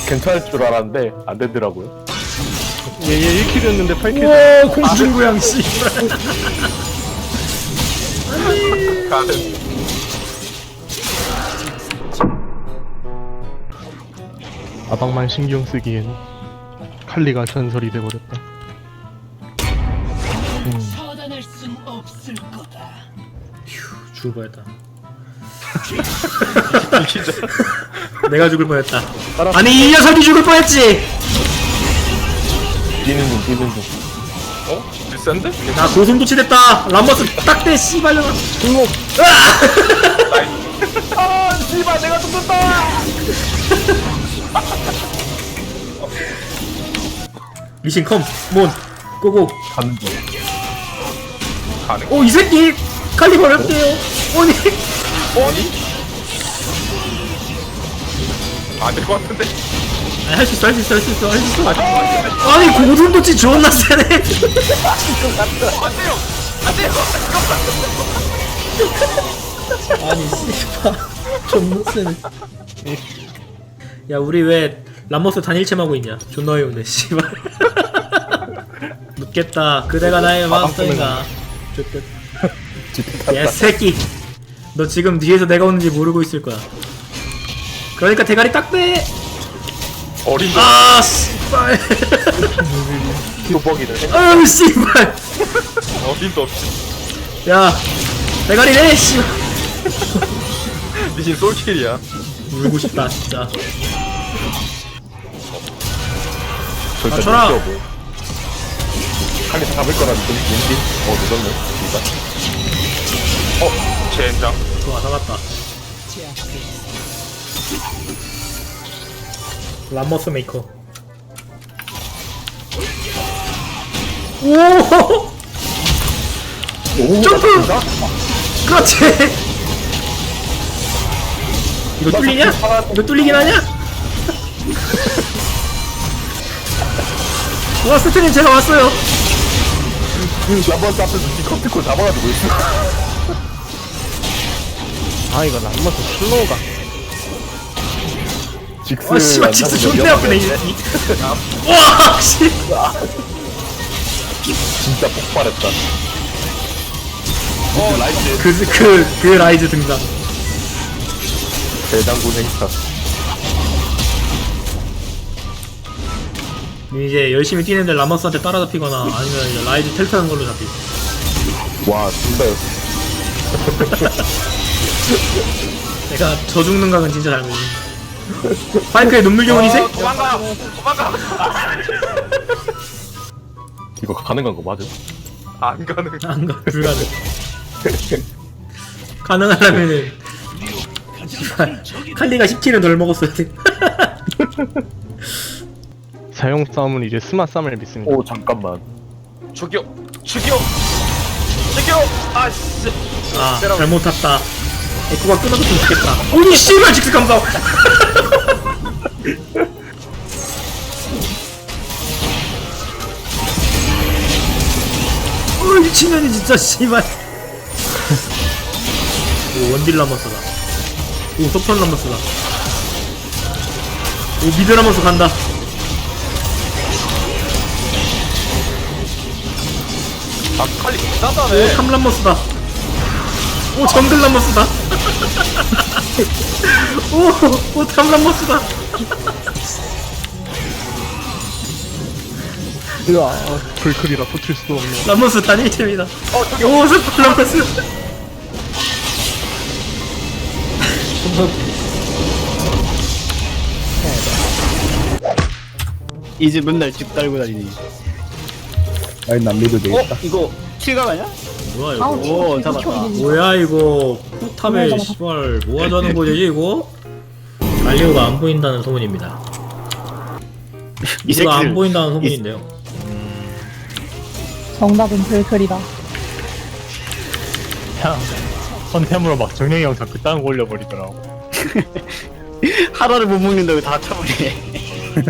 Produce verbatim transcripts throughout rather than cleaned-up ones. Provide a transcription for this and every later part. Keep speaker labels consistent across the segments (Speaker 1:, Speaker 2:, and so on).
Speaker 1: 괜찮을 줄 알았는데 안 되더라고요.
Speaker 2: 얘얘 일 킬이었는데 팔 킬.
Speaker 3: 우와 공중부양 씨.
Speaker 1: 가는.
Speaker 2: 아방만 신경 쓰기엔 칼리가 전설이 돼버렸다. 음.
Speaker 4: 처단할 순 없을 거다.
Speaker 3: 죽을 뻔했다. 내가 죽을 뻔했다. 아니 이 녀석이 죽을 뻔했지.
Speaker 1: 뛰는 중 뛰는 중.
Speaker 5: 어? 비싼데?
Speaker 3: 나 고슴도치됐다. 람버스 딱대 씨발려나.
Speaker 1: 등록. 아 씨발 내가 죽었다.
Speaker 3: 미신 컴, 몬, 고고.
Speaker 1: 가는 중.
Speaker 5: 가능.
Speaker 3: 오 이 새끼 칼리버 랩대요. 오니.
Speaker 5: 아니? 안될 것 같은데?
Speaker 3: 할 수 있어, 할 수 있어, 할 수 있어, 할 수 있어. 아니 고슴도치 존나 세네.
Speaker 5: 안돼요! 안돼요!
Speaker 3: 아니 씨발 존나 세네. 야 우리 왜 람버스 단일체하고 있냐? 존나 어이없네 씨발. 묻겠다. 그대가 나의 마스터인가? 좋겠다. 야 새끼, 너 지금 뒤에서 내가 오는지 모르고 있을 거야. 그러니까 대가리 딱 빼.
Speaker 5: 어린 거.
Speaker 3: 아 씨발.
Speaker 1: 뚜벅이를.
Speaker 3: 아우 씨발.
Speaker 5: 어림도 없이.
Speaker 3: 야 대가리 내 씨발.
Speaker 5: 미신 솔킬이야.
Speaker 3: 울고 싶다 진짜.
Speaker 1: 절대 못
Speaker 3: 쳐라.
Speaker 1: 뛰어보. 칼리 잡을 거라는 좀 왠지. 어 늦었네. 진짜.
Speaker 5: 어? 젠장.
Speaker 3: 좋아 잡았다. 람머스 메이커. 오!
Speaker 1: 오
Speaker 3: 점프! 그렇지! 이거 뚫리냐? 이거 뚫리긴 하냐? 와 스트님 제가 왔어요.
Speaker 1: 그 람버스 앞에서 디커피코 잡아가지고 있어.
Speaker 2: 아 이거 람머스 슬로우가.
Speaker 1: 직스.
Speaker 3: 와 씨발 진짜 존나 아프네 이 새끼. 와 씨.
Speaker 1: 진짜 폭발했다. 어 라이트
Speaker 3: 그, 그, 그 라이즈 등장.
Speaker 1: 대장군 행사.
Speaker 3: 이제 열심히 뛰는데 라머스한테 따라잡히거나 아니면 이제 라이즈 텔타는 걸로 잡히.
Speaker 1: 와 진짜였어.
Speaker 3: 내가 저 죽는 각은 진짜 잘 보니. 파이크의 눈물 교원 이 새끼.
Speaker 5: 도망가! 도망가!
Speaker 1: 이거 가능한 거 맞아?
Speaker 5: 안 가능.
Speaker 3: 안 가, 불가능. 가능하려면은 씨발, 칼리가 십 킬은 덜 먹었어야 돼.
Speaker 2: 사용 싸움은 이제 스마 싸움을 믿습니다.
Speaker 1: 오 잠깐만.
Speaker 5: 죽여! 죽여! 죽여! 아씨!
Speaker 3: 아 잘못 탔다. 에코가 끊어졌으면 좋겠다. 오니 씨발 직스 감사. 어 미친년이 진짜 씨발. 오 원딜 라머스다. 오 속편 라머스다. 오 미드 라머스 간다.
Speaker 5: 아 칼리
Speaker 3: 오
Speaker 5: 나다네.
Speaker 3: 삼 라머스다. 오 정글 라머스다. 오오 삼 라머스다.
Speaker 2: 으아 불클이라 터칠 수 없네.
Speaker 3: 라머스 단일체입니다.
Speaker 5: 어 저기
Speaker 3: 오 스폰 라머스.
Speaker 6: 이제 맨날 집 달고 다니니.
Speaker 1: 아니 난 믿어도
Speaker 6: 어? 이거 킬각 아니야?
Speaker 3: 뭐야 이거?
Speaker 6: 오 잡았다.
Speaker 3: 뭐야 이거? 포탑에 씨발 뭐 하자는 거지 이거? 갈리오가 안 보인다는 소문입니다.
Speaker 6: 이
Speaker 3: 이거 안
Speaker 6: 새끼들
Speaker 3: 보인다는 소문인데요.
Speaker 7: 정답은 불클이다.
Speaker 2: 형 선템으로 막 정령이 형 자꾸 딴거 올려버리더라고.
Speaker 6: 하나를 못 먹는다고 다 쳐버리네.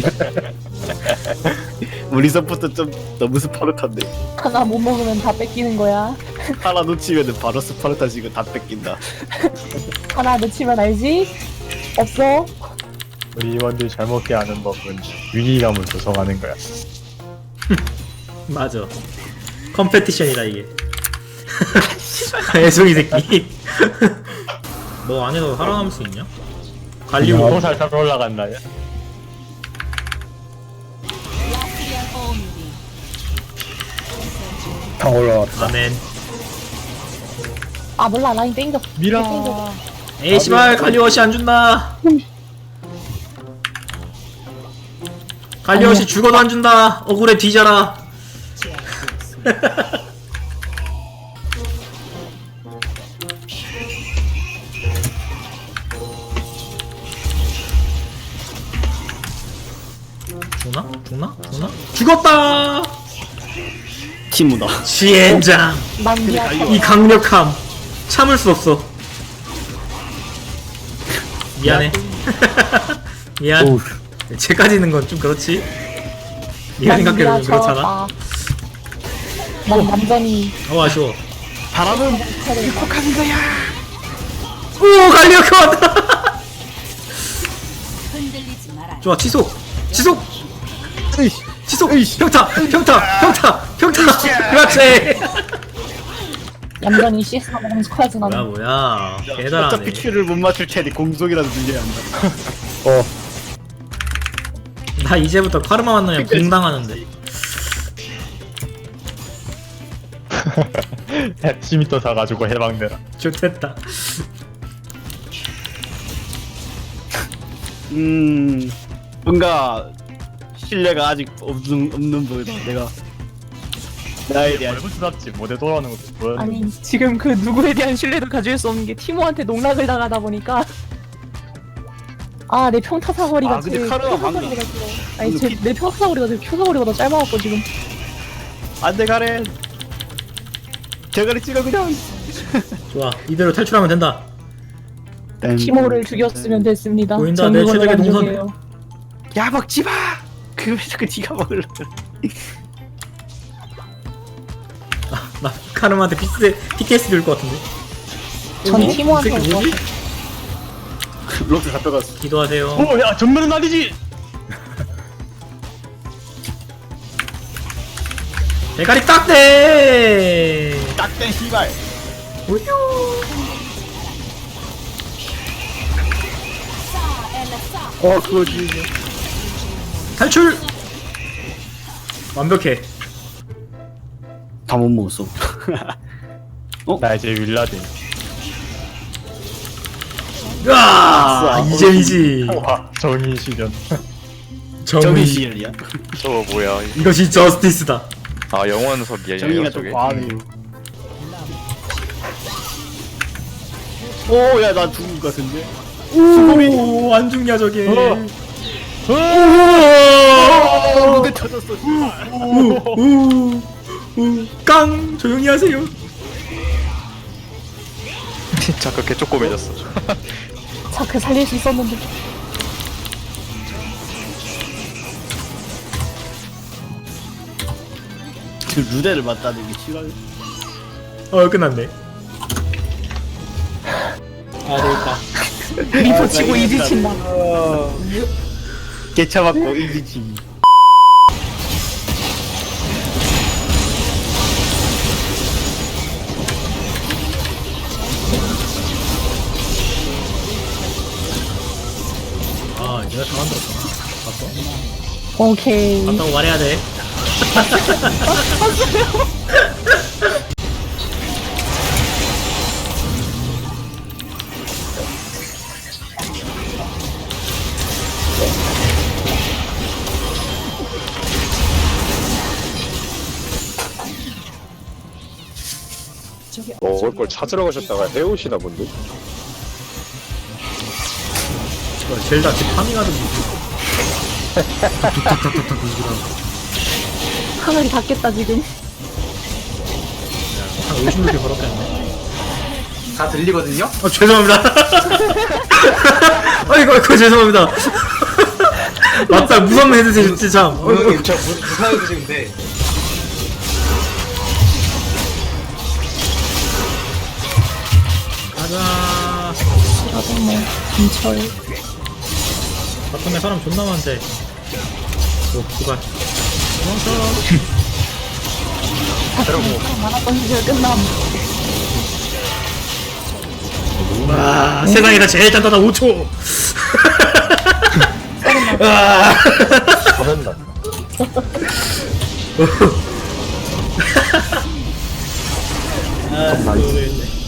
Speaker 6: 우리 서포터 좀 너무 스파르타인데.
Speaker 7: 하나 못 먹으면 다 뺏기는 거야.
Speaker 6: 하나 놓치면은 바로 스파르타 지금 다 뺏긴다.
Speaker 7: 하나 놓치면 알지? 없어.
Speaker 2: 우리 임원들이 잘 먹게 하는 법은 위기감을 조성하는 거야.
Speaker 3: 맞아. 컴페티션이다 이게. 애송이 새끼. 너 안에서 살아남을 수 있냐? 갈리오.
Speaker 2: 너무 살살 올라간다. 야.
Speaker 1: 다 올라왔다.
Speaker 3: 아멘.
Speaker 7: 아 몰라 라인 땡겨.
Speaker 2: 미라.
Speaker 7: 땡겨.
Speaker 3: 에이 씨발 갈리오시 안 준다. 갈리오시 죽어도 안 준다. 억울해 뒤져라. 죽나? 죽나? 죽나? 죽었다!
Speaker 6: 티무다.
Speaker 3: 지엔장!
Speaker 7: 난 미안.
Speaker 3: 이 강력함! 참을 수 없어. 미안해. 미안.
Speaker 1: 오우.
Speaker 3: 쟤까지는 건 좀 그렇지. 네가 생각해도 좀 그렇잖아.
Speaker 7: 난 완전히
Speaker 3: 어 아쉬워.
Speaker 6: 바람은
Speaker 3: 오 갈리오카 왔다.
Speaker 4: 흔들리지 마라.
Speaker 3: 좋아 치속 치속 치속 평타 평타 평타 평타 그렇지.
Speaker 7: 얌전히 씨에스가 먹으면서 커야지
Speaker 3: 뭐야
Speaker 7: 나는.
Speaker 3: 뭐야 대단하네.
Speaker 6: 어차피 큐를 못 맞출 테니 공속이라도 늘려야 한다.
Speaker 1: 어.
Speaker 3: 나 이제부터 카르마 만나면 공당하는데.
Speaker 2: 햅시미터 사가지고 해방되라.
Speaker 3: 좋됐다.
Speaker 6: 음 뭔가 신뢰가 아직 없는 없는 보이다. 내가 나에 대한
Speaker 2: 얼굴스럽지. 못에 돌아오는 것도 보였는데.
Speaker 7: 아니 지금 그 누구에 대한 신뢰도 가질 수 없는 게 티모한테 농락을 당하다 보니까 아 내 평타 사거리가
Speaker 6: 아, 근데
Speaker 7: 제
Speaker 6: 카르마
Speaker 7: 평타
Speaker 6: 방금-
Speaker 7: 사거리가 길어. 아니
Speaker 6: 방금
Speaker 7: 제,
Speaker 6: 피-
Speaker 7: 내 평타 사거리가 제 큐 사거리보다 짧아갖고 지금
Speaker 6: 안돼 가렌. 대가리 찍어 그냥.
Speaker 3: 좋아 이대로 탈출하면 된다.
Speaker 7: 티모를 죽였으면 됐습니다.
Speaker 3: 보인다,
Speaker 7: 전
Speaker 3: 내
Speaker 7: 그걸
Speaker 3: 최적의 동선.
Speaker 7: 만족해요.
Speaker 6: 야 먹지 마. 그왜 자꾸 네가 먹을래?
Speaker 3: 나 카르마한테 피스 피케스 줄 것 같은데.
Speaker 7: 전
Speaker 3: 어?
Speaker 7: 티모한테
Speaker 3: 이 새끼 뭐지?
Speaker 6: 록스 가져갔어.
Speaker 3: 기도하세요.
Speaker 2: 오, 야, 전면은 아니지!
Speaker 3: 대가리 딱대.
Speaker 6: 딱대 씨발.
Speaker 3: 우유.
Speaker 6: 어 그거지.
Speaker 3: 탈출. 완벽해.
Speaker 6: 다 못 먹었어.
Speaker 2: 나 이제 윌라딘.
Speaker 3: 으아 이잼이지.
Speaker 2: 와, 정의 시련.
Speaker 6: 정의
Speaker 3: 정의.
Speaker 6: 시엘이야.
Speaker 5: 저거 뭐야?
Speaker 3: 이것이 저스티스다.
Speaker 5: 아 영원석이야
Speaker 6: 정의가
Speaker 5: 저게.
Speaker 6: 좀 과하네요. 오야 나 죽은 것 같은데.
Speaker 3: 오, 안 죽냐 저게.
Speaker 2: 어.
Speaker 3: 오,
Speaker 6: 무대 터졌어.
Speaker 3: 오, 오, 오, 깡 조용히 하세요.
Speaker 5: 잠깐 개 쪼꼬매졌어.
Speaker 7: 자크 살릴 수 있었는데
Speaker 6: 그 루데를 맞다는 게 싫어요.
Speaker 3: 어 끝났네. 아 되겠다.
Speaker 7: 리포 치고 이지 친다.
Speaker 6: 개차 맞고 이기지.
Speaker 3: 아 내가 다 만들었구나. 봤어?
Speaker 7: 오케이.
Speaker 3: 봤다고 말해야 돼.
Speaker 1: 먹을 걸 찾으러 가셨다가 해오시나 본데?
Speaker 3: 어, 젤다 집 파밍하던지.
Speaker 7: 하늘이 닿겠다 지금.
Speaker 3: 한 오십 개 걸었겠네.
Speaker 5: 다 들리거든요?
Speaker 3: 어 죄송합니다. 아이고 아이고 죄송합니다. 맞다 무선 헤드셋 진짜 참. 어, 어.
Speaker 5: 저 무사해도 지금데.
Speaker 3: 가자.
Speaker 7: 나도 뭐 김철.
Speaker 3: 바텀에 사람 존나 많은데. 오, 기발.
Speaker 7: 많았던 시절 끝남.
Speaker 3: 와, 세상에서 제일 단단한 오 초. 아.
Speaker 1: 화낸다.
Speaker 3: 아, 모르겠네.